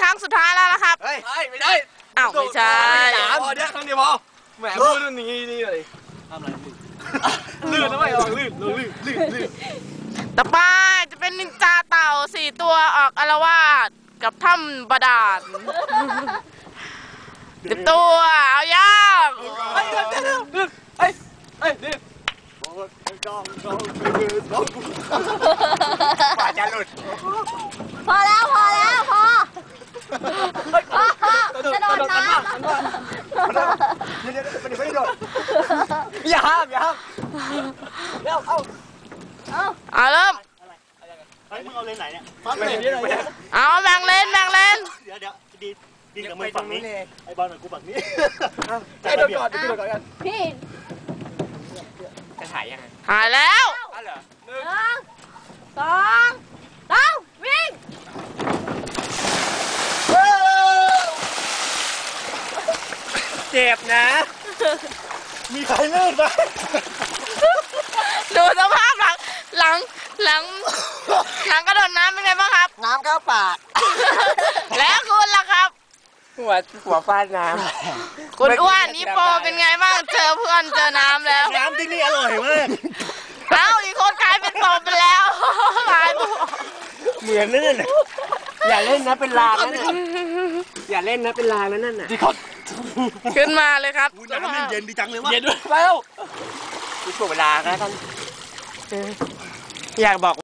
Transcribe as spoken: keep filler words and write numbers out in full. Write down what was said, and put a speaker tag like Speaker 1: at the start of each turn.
Speaker 1: รั้งสุดท้ายแล้วนะครับ
Speaker 2: เฮ้ยไม่ได้
Speaker 1: อ้าวไม่ใช่
Speaker 2: พอเดี๋ยวครั้งเดียวพอแหมพูดนี่นี่เลยทำอะไรลื่นลื่นนะไม่ลองลื่นลื่นลื่นลื่น
Speaker 1: ต่อไปจะเป็นนินจาเต่าสี่ตัวออกอาละวาดกับถ้ำบาดาลเต็มตัวเอาย่าง
Speaker 2: เฮ้ยเฮ้ยเฮ้ยนี่ป่าจะหลุด
Speaker 3: พอแล้วพอแล้วพอจะโดนน้ำ
Speaker 2: เดี๋ยวเดี๋ยวไม่ได้โดนอย่าห้ามอย่าห้ามเร็วเอา
Speaker 3: เอา
Speaker 1: เอาเริ่ม
Speaker 4: เฮ้ยมึงเอาเลนไหนเนี่ย
Speaker 2: ฟังเลยนี่เลย
Speaker 1: เอาแบ่งเลนแบ่งเลน
Speaker 4: เดี๋ยวเดี๋ยวดีดีกับมึงฝั่งนี้ไอ้บอลกับกูฝั่งนี้
Speaker 2: ไอ้โดนก่อนไอ้โดนก่อนกัน
Speaker 3: พี่
Speaker 4: จะถ่ายยังไง
Speaker 1: ถ่ายแล้ว
Speaker 4: อ๋อเหรอ
Speaker 3: หนึ่งสองสามวิ่ง
Speaker 2: เจ็บนะมีใครลื่นไหม
Speaker 1: ดูสภาพหลังหลังหลังหลังกระโดดน้ำเป็นไงบ้างครับ
Speaker 2: น้ำเข้าปาก
Speaker 1: แล้วคุณล่ะครับ
Speaker 2: หัวหัวฟาดน้
Speaker 1: ำคุณอ้วนนี่โปเป็นไงบ้างเจอเพื่อนเจอน้ำแล้ว
Speaker 4: น้ำที่นี่อร่อยมาก
Speaker 1: เอ้าอีกคนกลายเป็นโปไปแล้วกลายเป็น
Speaker 4: เหมือนลื่นอย่าเล่นนะเป็นลางนะอย่าเล่นนะเป็นลางนะนั่นน่ะ
Speaker 1: ขึ้นมาเลยครับ
Speaker 4: น้ำเย็นดีจังเลยว่ะ
Speaker 2: เย็นด้วยแล้ว
Speaker 4: มีช่วงเวลานะท่านอยากบอก